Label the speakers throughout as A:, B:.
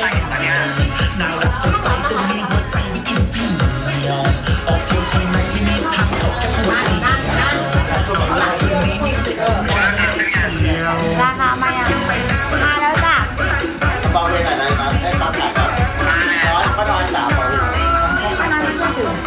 A: ใส่ซะเนี่ย
B: น่ารักสดใสจนมีหัวใจไม่กินพี่ยอมออกเที่ยวทางไหนไม่มีทางจบแค่หัวใจ
C: ราคามายังมาแล้วจ้ะ
D: เบาเลยหน่อยนะให้ปั๊มหน่อยก่อนร้อนก็นอน3วัน
C: มาไม่ถึง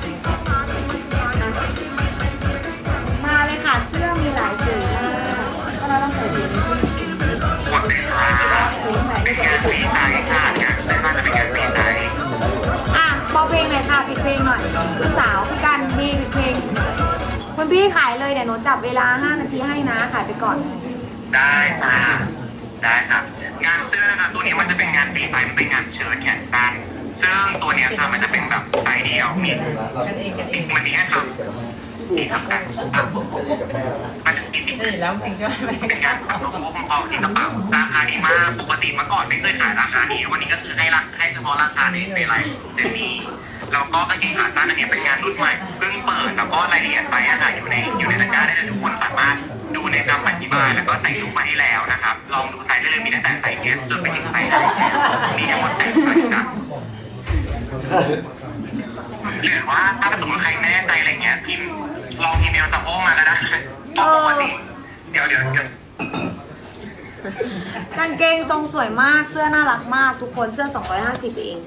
C: มาเลยค่ะเสื้อมีหลายสีมากก็เราต้องใส่สีนี้
A: หมดเลยค่ะเป็นงานฟรีไซส์ค่ะงานใช้มาจะเป็นงานฟรีไซส์
C: อ่ะเบาเพลงหน่อยค่ะปิดเพลงหน่อยลูกสาวพี่กันนี่ปิดเพลงคุณพี่ขายเลยเดี๋ยวหนูจับเวลา5 นาทีให้นะขายไปก่อน
A: ได้ค่ะได้ครับงานเสื้อนะครับตัวนี้มันจะเป็นงานฟรีไซส์มันเป็นงานเชิ้ตแขนสั้นซึ่งตัวเนี้ยค่ะมันจะเป็นแบบไซส์เดียวมีมันมีแค่คำมีคำกันมันจะมี10
E: แล้วจริงใช่ไหม
A: เป็นการปรับลดงบออกที่กระเป๋าราคาดีมากปกติเมื่อก่อนไม่เคยขายราคานี้วันนี้ก็คือให้เฉพาะราคาในไลฟ์เจนนี้แล้วก็กางเกงขาสั้นอันนี้เป็นงานรุ่นใหม่เพิ่งเปิดแล้วก็รายละเอียดไซส์ค่ะอยู่ในตะกร้าได้เลยทุกคนสามารถดูในคำอธิบายแล้วก็ใส่รูปมาให้แล้วนะครับลองดูไซส์ได้เลยมีตั้งแต่ไซส์ S จนไปถึงไซส์ L มีทั้งหมด8ไซส์นะหรือว่าถ้าสมมติใครไม่แน่ใจอะไรเงี้ยพิมพ์ลองอีเมลสะโพกมาก็ได้ปกติเดี๋ยว
C: กางเกงทรงสวยมากเสื้อน่ารักมากทุกคนเสื้อ250เอง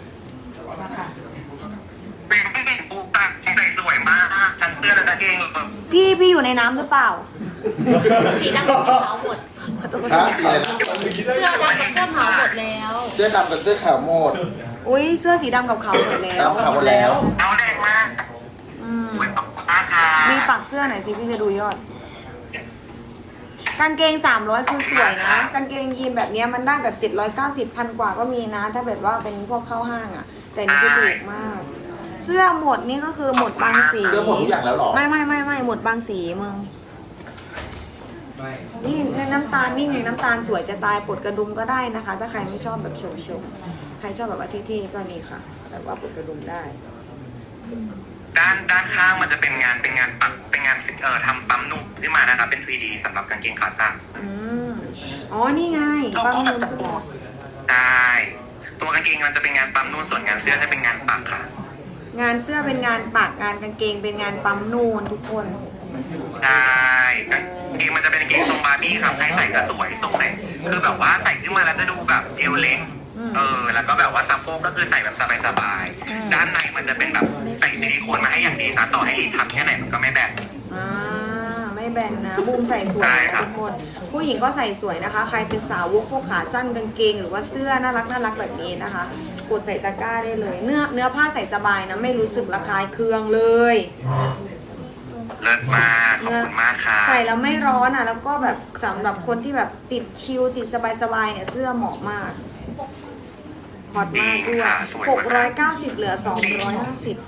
A: เป็นกางเกงปูปากใส่สวยมากชั้นเสื้อและกางเกง
C: พี่อยู่ในน้ำหรือเปล่า
F: สีดำกับสีขาวหมด
D: ฮะสีอะไรนะ
F: เสื้อดำกับเสื้อขาวหมดแล้ว
D: เสื้อดำกับเสื้อขาวหมด
C: อุ้ยเสื้อสีดำกับขาวหมดแล้ว
D: ดำขาวหมดแล้ว
A: เอาแดงมาก
C: อืม
A: สวยมากค่ะ
C: มีปักเสื้อหน่อยสิพี่จะดูยอดกางเกง300คือสวยนะกางเกงยีนแบบเนี้ยมันได้แบบ790พันกว่าก็มีนะ ถ้าแบบว่าเป็นพวกเข้าห้างอ่ะแต่นี่คือถูกมาก เสื้อหมดนี่ก็คือหมดบางสี
D: เสื้อหมดทุกอย่างแล้วหรอ
C: ไม่หมดบางสีมึงนี่น้ำตาลนี่ไงน้ำตาลสวยจะตายปลดกระดุมก็ได้นะคะ ถ้าใครไม่ชอบแบบโฉมใครชอบแบบว่าเท่ๆก็นี่ค่ะแบบว่าปลดกระดุมได้
A: ด้านข้างมันจะเป็นงานปักเป็นงานทำปั๊มนุ่มขึ้นมานะครับเป็น 3D สำหรับกางเกงขาสั้น
C: อ๋อนี่ไงปั๊มนม
A: ใช่ตัวกางเกงมันจะเป็นงานปั๊มนุ่นส่วนงานเสื้อจะเป็นงานปักค่ะ
C: งานเสื้อเป็นงานปักงานกางเกงเป็นงานปั๊มนูนทุกคน
A: ใช่กางเกงมันจะเป็นกางเกงทรงบาร์บี้ครับใครใส่ก็สวยทรงเลยคือแบบว่าใส่ขึ้นมาแล้วจะดูแบบเอวเล็กแล้วก็แบบว่าสะโพกก็คือใส่แบบสบายๆด้านในมันจะเป็นแบบใส่ซิลิโคนมาให้อย่างดีนะต่อให้รีดทับแค่ไหนมันก็ไม่แบน
C: ไม่แบนนะบูมใส่สวยนะทุกคนผู้หญิงก็ใส่สวยนะคะ ใครเป็นสาวกพวกขาสั้นกางเกงหรือว่าเสื้อน่ารักแบบนี้นะคะกดใส่ตะกร้าได้เลยเนื้อผ้าใส่สบายนะไม่รู้สึกระคายเคืองเลย
A: เลิศมากขอบคุณมากค่ะ
C: ใส่แล้วไม่ร้อนอ่ะแล้วก็แบบสำหรับคนที่แบบติดชิลติดสบายๆเนี่ยเสื้อเหมาะมากฮอตมากด้วย690เหลือ250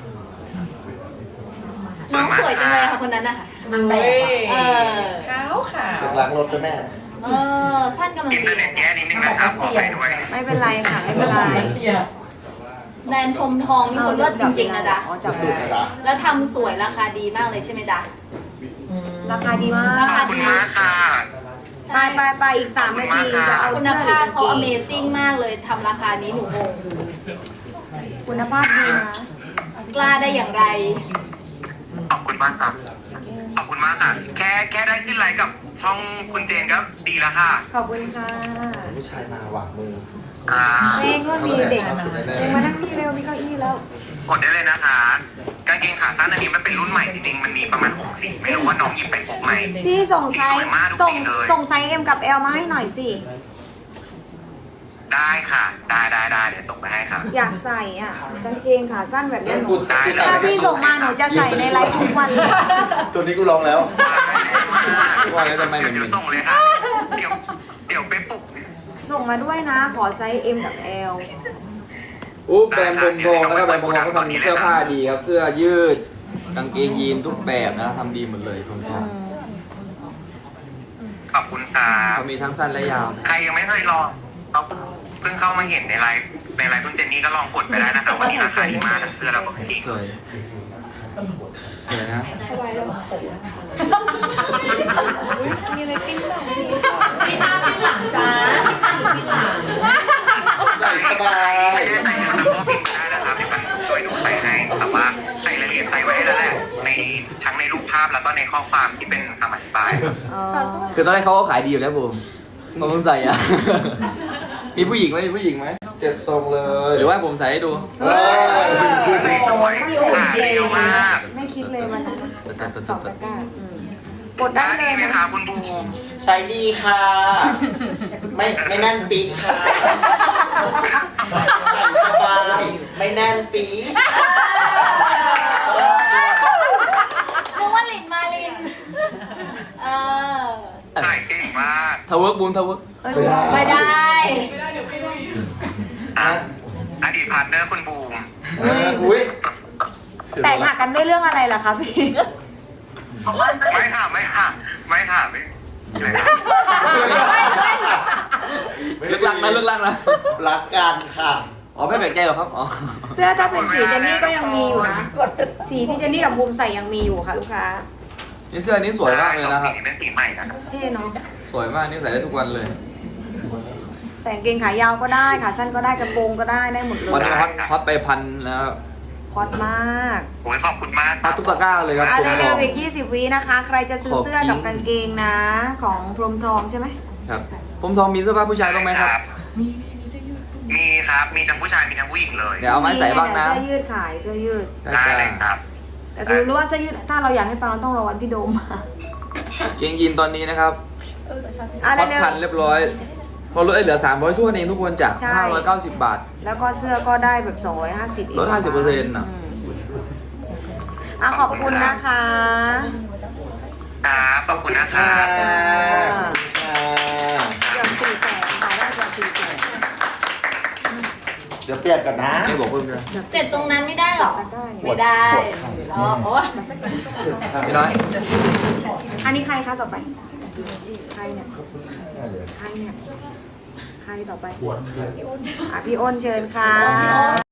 F: น้องสวยจังเลยค่ะคนนั้นนะคะมันแบบ
E: ขาว
D: อยากล้างรถด้วยแม่
F: สั้นกำลัง
A: อินเทอร์เน็ตแย่นิดนึงนะครับขอไปด้วย
C: ไม่เป็นไรค่ะไม่เป็นไร
F: แบรนด์พรมทองนี่คนเลิศจริงๆนะจ๊ะ
C: จับ
D: สุดเลยนะ
F: แล้วทำสวยราคาดีมากเลยใช่ไหมจ๊ะ
C: ราคาดีมาก
A: ขอบคุณมากค่ะ
C: ไปอีก3 นาทีจะเอา
F: คุณ
C: เสื้อหรื
F: ภา
C: อ
F: พ
C: กาง
F: เขา
C: เกง
F: Amazing มากเลยทำราคานี้หนูงง
C: คุณภาพดีนะ
F: กล้าได้อย่างไร
A: ขอบคุณมากค่ะขอบคุณมากค่ะแค่ได้ขึ้นไลน์กับช่องคุณเจนก็ดีแล้วค่ะ
C: ขอบคุณค่ะ
D: ผู้ชายมาหวังมือ
C: เพลงก็มีเด็กเพลงมานั่งที่เร็วมีเก้าอี้แล้ว
A: กดได้เลยนะคะกางเกงขาสั้นอันนี้มันเป็นรุ่นใหม่จริงๆมันมีประมาณ6 สีไม่รู้ว่าน้องหยิบไปครบไหม
C: พี่ส่งไซ
A: ส
C: ส์
A: วยมากทุกสีเลย
C: ส่งไซส์ M กับ L มาให้หน่อยสิ
A: ได้ค่ะได้เดี๋ยวส่งไปให้ค่ะ
C: อยากใส่อ่ะกางเกงขาสั้นแบบนี้หนู
D: กู
C: ถ้าพี่ส่งมาหนูจะใส่ในไลฟ์ทุกวันเลย
D: ตัวนี้กูลองแล้ว
A: ว่าแล้วทำไมเดี๋ยวส่งเลยค่ะเดี๋ยวไปปลุก
C: ส่งมาด้วยนะ ขอไซส์ M กับ L
G: แบรนด์พรมทองนะครับแบรนด์พรมทองก็ทำเสื้อผ้าดีครับ เสื้อยืดกางเกงยีนทุกแบบนะทำดีหมดเลยพรมทอง
A: ขอบคุณค่ะ
G: เขามีทั้งสั้นและยาวนะ
A: ใครยังไม่เคยลองเราเพิ่งเข้ามาเห็นในไลฟ์คุณเจนนี่ก็ลองกดไปได้นะคะวันนี้ราคาดีมากทั้งเสื้อแล้วก็กางเกง
G: สวยสวยนะ
E: มีอะไรปิ้นบ้าง
F: พี่หน้าพี่หลังจ้า
D: ใส่สบาย
A: ในข้อความที่เป็นคำอธิบายครับ
C: อ๋อ
G: คือตอนแรกเขาก็ขายดีอยู่แล้วผมผมเพิ่งใส่อ่ะ มีผู้หญิงไหมมีผู้หญิงไหม
D: เก็บทรงเลย
G: หรือว่าผมใส่ให้ดู
D: เฮ้ย
A: ไม่สวยขาเดียวมาก
C: ไม่คิดเลยวันนั้น
G: ตัด
C: สองตะกร้าอืมกดได้
A: ได้
C: เล
A: ดี
C: ย
A: ไหม
C: นะคะ
A: คุณบูม
D: ใช้ดีค่ะ ไม่แน่นปีกค่ะใส่สบายไม่แน่นปีก
F: นึกว่าลินมาลิน เออ
A: ถ่ายเก่งมาก
G: ทาวเวิร์กบูมทาวเวิร์ก
C: เอ้ย
F: ไม่ได้
A: อ่ะอดีตพาร์ทเนอร์คุณบูม
D: อุ้ย
C: แต่งหักกันด้วยเรื่องอะไรล่ะคะพี่
A: ไม่ค่ะไม่ค่ะไม่ค่ะไม่เลยค่ะ
G: เลิกลักนะเลิกลักนะ
D: รักกันค่ะ
G: อ๋อไม่แปลกใจหรอกครับอ๋อ
C: เสื้อถ้าเป็นสีเจนนี่ก็ยังมีอยู่นะ สีที่เจนนี่กับบูมใส่ยังมีอยู่ค่ะลูกค้า
G: นี่เสื้อนี้สวยมากเลยนะครับ
A: สีนี้เป็นสีใหม่นะครับ
C: เท่เนาะ
G: สวยมากนี่ใส่ได้ทุกวันเลย
C: ใส่กางเกงขายาวก็ได้ขาสั้นก็ได้กระโปรงก็ได้ได้หมดเล
G: วัน
C: ย
G: นี้ฮอตไปพันแล้ว
C: ฮอตมาก
A: โอ้ยขอบคุณมาก
G: ฮอตทุกตะกร้าเลยครับ
C: อ่ะ
G: ผมบ
C: เร็
G: อ
C: ว
G: ก
C: ๆอีก20 วินะคะ ใครจะซื้อเสื้อกับกางเกงนะ ของพรหมทองใช่ไหม
G: ครับผมทองมีเสื้อผ้าผู้ชายบ้างไหมครับ
A: มีครับ มีทั้งผู้ชายมีทั้งผู้หญิงเลย
G: เดี๋ยวเอาไม้ใส่บ้างนะ
C: เสื้อยืดขายเสื้อยืด
A: ได้เลยครับ
C: แต่คือรู้ว่าเสื้อยืดถ้าเราอยากให้ปังเราต้องรอวันพี่โดมมา
G: เกงยีนตอนนี้นะครับ
C: อ่ะ
G: ฮอต
C: เร็ว
G: พันเรียบร้อย พอลดเหลือ300ทั่วนเองทุกคนจาก
C: ใช่
G: 590 บาท
C: ๆแล้วก็เสื้อก็ได้แบบ250อีก
G: ลด50%น่ะ
C: อ่ะขอบคุณนะคะ
A: ครับขอบคุณนะครับ
C: จ้า
D: ค่ะ
C: เกือบ400,000ขายได้เกือบ400,000
D: เดี๋ยวเปลี่ยนก่อนนะ
G: ไม่บอกเพิ่มเลย
F: เจ็ดตรงนั้นไม่ได้หรอ
C: ตะกร้าเนี่ย
F: ไม่ได้อ๋อโอ้ย
G: พี่น้อย
C: อันนี้ใครคะต่อไป ใครเนี่ย ใครเนี่ย ใครต่อไป
D: ปวดเครื่อง
C: อ่ะพี่อ้นเชิญค่ะ